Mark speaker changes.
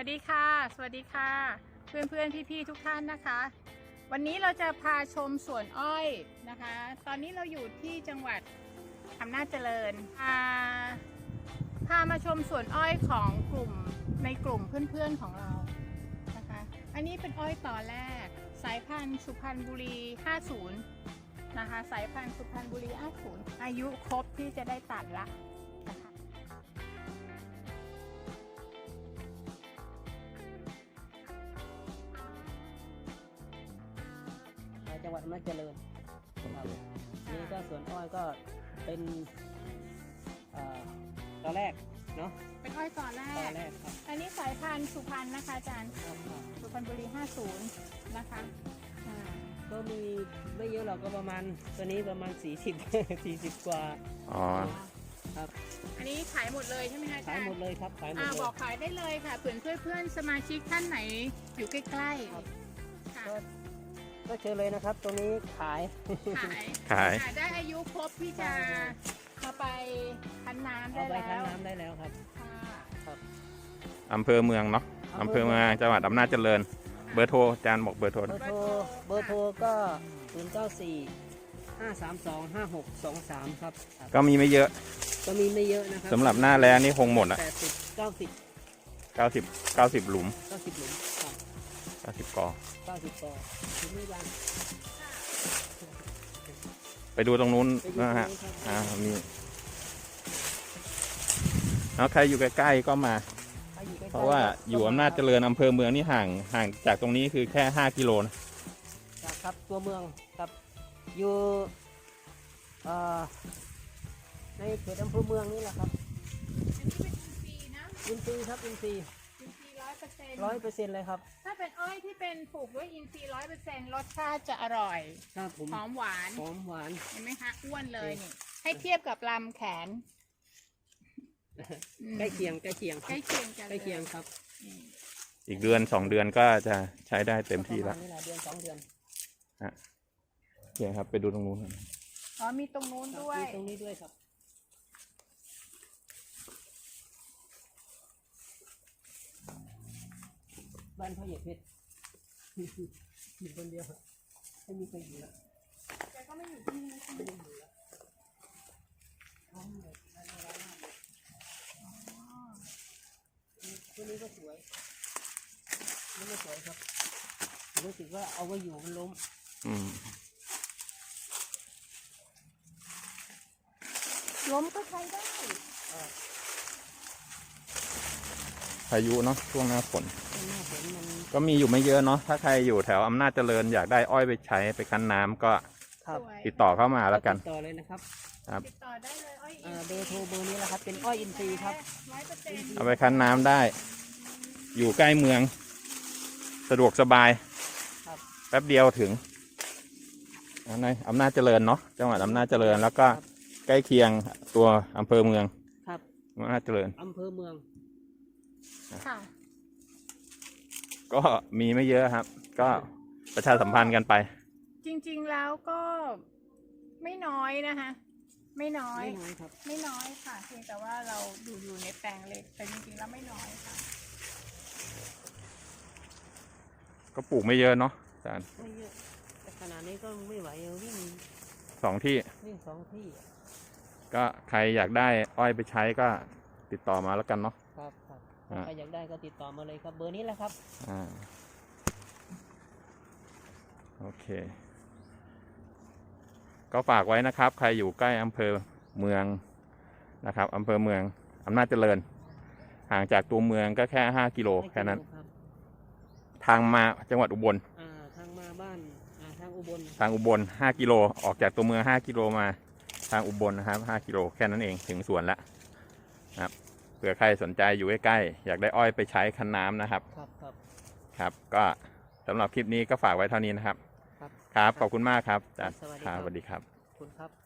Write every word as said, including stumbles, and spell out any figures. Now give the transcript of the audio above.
Speaker 1: วัสดีค่ะสวัสดีค่ะเพื่อนเพื่อนพี่พี่ทุกท่านนะคะวันนี้เราจะพาชมสวนอ้อยนะคะตอนนี้เราอยู่ที่จังหวัดอำนาจเจริญพาพามาชมสวนอ้อยของกลุ่มในกลุ่มเพื่อนๆของเรานะคะอันนี้เป็นอ้อยต่อแรกสายพันธุ์สุพรรณบุรีห้าสิบนะคะสายพันธุ์สุพรรณบุรีห้าสิบอายุครบที่จะได้ตัดละนะคะ
Speaker 2: จังหวัดอำนาจเจริญครับนี่ก็สวนอ้อยก็เป็นตอนแรกเนาะ
Speaker 1: เป็นอ้อยต่อแร
Speaker 2: ตอก นแรกครับ
Speaker 1: อันนี้สายพันธุ์สุพรรณนะคะอาจารย์
Speaker 2: ครับครับ
Speaker 1: สุพรรณบุรีห้าสิบนะคะอ่า
Speaker 2: ก็มีไม่เยอะหรอกก็ประมาณตัวนี้ประมาณสี่สิบ สี่สิบกว่า
Speaker 3: อ๋อ
Speaker 2: ครับ
Speaker 1: อันนี้ขายหมดเลยใช่ไหมคะอาจา
Speaker 2: ขาย
Speaker 1: รย์
Speaker 2: หมดเลยครับขายหมด
Speaker 1: อ่า
Speaker 2: เลย
Speaker 1: บอกขายได้เลยค่ะเพื่อนเพื่อนเพื่อนสมาชิกท่านไหนอยู่ใกล้ๆ
Speaker 2: ครับ
Speaker 1: ค่ะ
Speaker 2: ก็ก็เชิญเลยนะครับตรงนี้ขาย
Speaker 1: ขาย
Speaker 3: ขาย
Speaker 1: ค่ะได้อายุครบที่จะมาไปคั้นน้ำได้
Speaker 2: เอาไป
Speaker 1: แล้
Speaker 2: คั้น
Speaker 1: ว
Speaker 2: น้ำได้แล้วครับ
Speaker 1: ค่ะ
Speaker 2: ครับ
Speaker 3: อำเภอเมืองเนาะอำเภอเมืองจังหวัดอำนาจเจริญเบอร์โทรอาจารย์บอกเบอร์โทร
Speaker 2: เบอร์โทรเบอร์โทรก็ศูนย์เก้าสี่ห้าสามสองห้าหกสองสามครับครับ
Speaker 3: ก็มีไม่เยอะ
Speaker 2: ก็มีไม่เยอะนะครับ
Speaker 3: สำหรับหน้าแล้งนี่คงหมดอ่ะ
Speaker 2: แปดสิบเก้าสิบ
Speaker 3: เก้าสิบ เก้าสิบหลุม
Speaker 2: เก้าสิบหลุมครับ
Speaker 3: เก้าสิบกอ
Speaker 2: เก้าสิบกอถึงไม่ยัง
Speaker 3: ไปดูตรงนู้น
Speaker 2: ไปดู
Speaker 3: นะฮะ
Speaker 2: ตรงนี้ครับ
Speaker 3: อ่ามีแล้วใครอยู่ใกล้ๆก็มา
Speaker 2: ถ้อยู่ใกล้ๆ
Speaker 3: เพราะว่าอยู่อำนาจเจริญอำเภอเมืองนี่ห่างห่างจากตรงนี้คือแค่ห้ากิโลนะ
Speaker 2: ครับครับตัวเมืองครับอยู่เอ่อในเขตอำเภอเมืองนี่แหละครับ
Speaker 1: อันนี้เป็นอินทรีย์นะ
Speaker 2: อินทรีย์ครับอินทรีย์
Speaker 1: อินทรีย์ร้อยเปอร์เซ็นต์
Speaker 2: ร้อยเปอร์เซ็นต์เลยครับ
Speaker 1: ถ้าเป็นอ้อยที่เป็นปลูกด้วยอินทรีย์ร้อยเปอร์เซ็นต์รสชาติจะอร่อย
Speaker 2: ครับผม
Speaker 1: หอมหวาน
Speaker 2: หอมหวาน
Speaker 1: เห็นไหมคะอ้วนเลยนี่ให้เทียบกับลำแขนอืม
Speaker 2: ใกล้เคียงใกล้เคียง
Speaker 1: ใกล้เคียงกัน
Speaker 2: ใกล้เคียงครับ
Speaker 1: อืม
Speaker 3: อีกเดือนสองเดือนก็จะใช้ได้เต็มที่
Speaker 2: ป
Speaker 3: แล้ว
Speaker 2: ระมาณนี้แหละเดือนสองเดือน
Speaker 3: โอเคครับไปดูตรงนู้น
Speaker 1: อ๋อมีตรงนู้น
Speaker 2: ครับ
Speaker 1: ด้วย
Speaker 2: มีตรงนี้ด้วยครับบ้านพ่อเหยียดเพชร อยู่คนเดียวไม่มีใครอยู่แล้ว
Speaker 1: แต่ก็ไม่อยู่ที่นี่ใช่ไหม
Speaker 2: ไม่ได้อยู่แล้วพร้อมเลยร้านร้านมากเลย
Speaker 1: อ๋อ
Speaker 2: ตัวนี้ก็สวยนี่ก็สวยครับรู้สึกว่าเอาไว้อยู่มันล้ม
Speaker 3: อืม
Speaker 1: ล้มก็ใช้ได้
Speaker 3: พายุเนาะช่วงหน้าฝน
Speaker 2: ต้นหน้าฝนมัน
Speaker 3: ก็มีอยู่ไม่เยอะเนาะถ้าใครอยู่แถวอำนาจเจริญอยากได้อ้อยไปใช้ไปคั้นน้ำก็
Speaker 2: ครับ
Speaker 1: สวย
Speaker 3: ติดต่อเข้ามาแล้วกัน
Speaker 2: ติดต่อเลยนะครับ
Speaker 1: ติดต่อได้เลยอ้อย
Speaker 2: เอ่อเบอร์โทรเบอร์นี้แหละครับเป็นอ้อยอินทรีย์ครับ
Speaker 1: ร้อยเปอร์เซ็นต์
Speaker 3: เอาไปคั้นน้ำได้ อยู่ใกล้เมือง สะดวกสบาย
Speaker 2: ครับ
Speaker 3: แป๊บเดียวถึงในอำนาจเจริญเนาะจังหวัดอำนาจเจริญแล้วก็ใกล้เคียงตัวอำเภอเมือง
Speaker 2: ครับ
Speaker 3: อำนาจเจริญ
Speaker 2: อำเภอเมือง
Speaker 1: ค่ะ
Speaker 3: ก็มีไม่เยอะครับ ก็ประชาสัมพันธ์กันไป
Speaker 1: จริงๆแล้วก็ไม่น้อยนะคะไม่น้อย
Speaker 2: ไม่น้อยครับ
Speaker 1: ไม่น้อยค่ะเพียงแต่ว่าเราอยู่อยู่ในแปลงเล็กแต่จริงๆแล้วไม่น้อยค่ะ
Speaker 3: ก็ปลูกไม่เยอะเนาะอาจารย์
Speaker 2: ไม่เยอะแต่ขนาดนี้ก็ไม่ไหวเอาวิ่ง
Speaker 3: สองที่
Speaker 2: วิ่งสองที่
Speaker 3: ก็ใครอยากได้อ้อยไปใช้ก็ติดต่อมาแล้วกันเนาะ
Speaker 2: ครับครับ
Speaker 3: อ่า
Speaker 2: ใครอยากได้ก็ติดต่อมาเลยครับ เบอร์นี้แหละครับ
Speaker 3: อ่าโอเค ก็ฝากไว้นะครับ ใครอยู่ใกล้อำเภอเมืองนะครับอำเภอเมืองอำนาจเจริญ ห่างจากตัวเมืองก็แค่ห้ากิโลแค่นั้น
Speaker 2: ครับ
Speaker 3: ทางมาจังหวัดอุบล
Speaker 2: อ่าทางมาบ้านอ่าทางอุบล
Speaker 3: ทางอุบลห้ากิโลออกจากตัวเมืองห้ากิโลมาทางอุบลนะครับห้ากิโลแค่นั้นเองถึงสวนแล้วนะครับเผื่อใครสนใจอยู่ใกล้ๆอยากได้อ้อยไปใช้คั้นน้ำนะครับ
Speaker 2: ครับครับ
Speaker 3: ครับก็สำหรับคลิปนี้ก็ฝากไว้เท่านี้นะครับ
Speaker 2: ครับ
Speaker 3: ครับขอบคุณมากครับอาจารย์
Speaker 2: สวัสดี
Speaker 3: ค
Speaker 2: ครั
Speaker 3: รับบ สวัสดีครับ
Speaker 2: ขอบคุณครับ